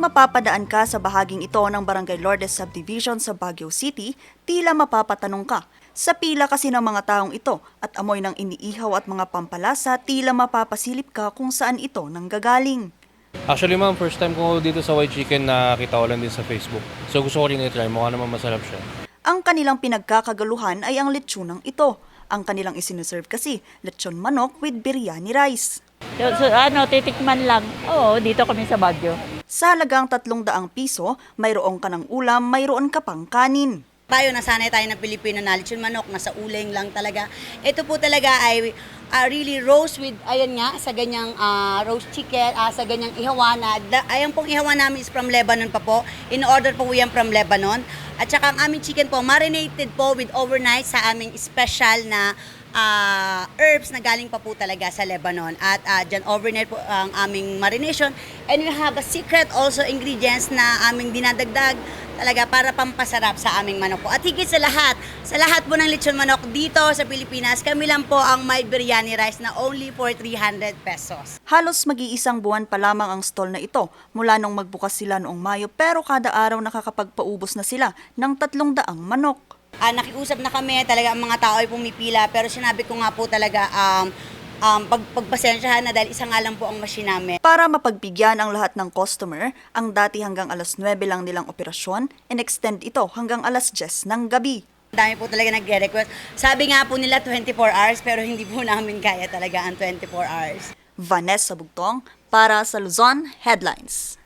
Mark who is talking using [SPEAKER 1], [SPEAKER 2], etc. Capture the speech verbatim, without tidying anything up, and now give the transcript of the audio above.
[SPEAKER 1] Kapag mapapadaan ka sa bahaging ito ng Barangay Lourdes Subdivision sa Baguio City, tila mapapatanong ka. Sa pila kasi ng mga taong ito at amoy ng iniihaw at mga pampalasa, tila mapapasilip ka kung saan ito nanggagaling.
[SPEAKER 2] Actually ma'am, first time ko dito sa White Chicken nakita ko lang din sa Facebook. So gusto ko rin i-try, mukha naman masarap siya.
[SPEAKER 1] Ang kanilang pinagkakagaluhan ay ang lechonang ito. Ang kanilang isinuserve kasi, lechon manok with biryani rice.
[SPEAKER 3] So, so, ano, titikman lang. Oo, dito kami sa Baguio.
[SPEAKER 1] Sa halagang tatlong daang piso, mayroong ka ng ulam, mayroon ka pang kanin.
[SPEAKER 4] Tayo, nasanay tayo ng Pilipino na lechon manok, nasa uling lang talaga. Ito po talaga ay uh, really roast with, ayan nga, sa ganyang uh, roast chicken, uh, sa ganyang ihawan. Na, ayan pong ihawan namin is from Lebanon pa po. In-order po yan from Lebanon. At saka ang aming chicken po, marinated po with overnight sa aming special na uh, herbs na galing pa po talaga sa Lebanon. At uh, dyan overnight po ang aming marination. And we have a secret also ingredients na aming dinadagdag talaga para pampasarap sa aming manok po. At higit sa lahat, sa lahat po ng lechon manok dito sa Pilipinas, kami lang po ang may biryani rice na only for three hundred pesos.
[SPEAKER 1] Halos mag-iisang buwan pa lamang ang stall na ito mula nung magbukas sila noong Mayo, pero kada araw nakakapagpaubos na sila ng tatlong daang manok.
[SPEAKER 4] Uh, nakiusap na kami, talaga ang mga tao ay pumipila, pero sinabi ko nga po talaga, um, um, pag, pagpasensyahan na dahil isa nga lang po ang machine namin.
[SPEAKER 1] Para mapagbigyan ang lahat ng customer, ang dati hanggang alas nuwebe lang nilang operasyon, in-extend ito hanggang alas diyes ng gabi.
[SPEAKER 4] Dami po talaga nagre-request. Sabi nga po nila twenty-four hours, pero hindi po namin kaya talaga ang twenty-four hours.
[SPEAKER 1] Vanessa Bugtong para sa Luzon Headlines.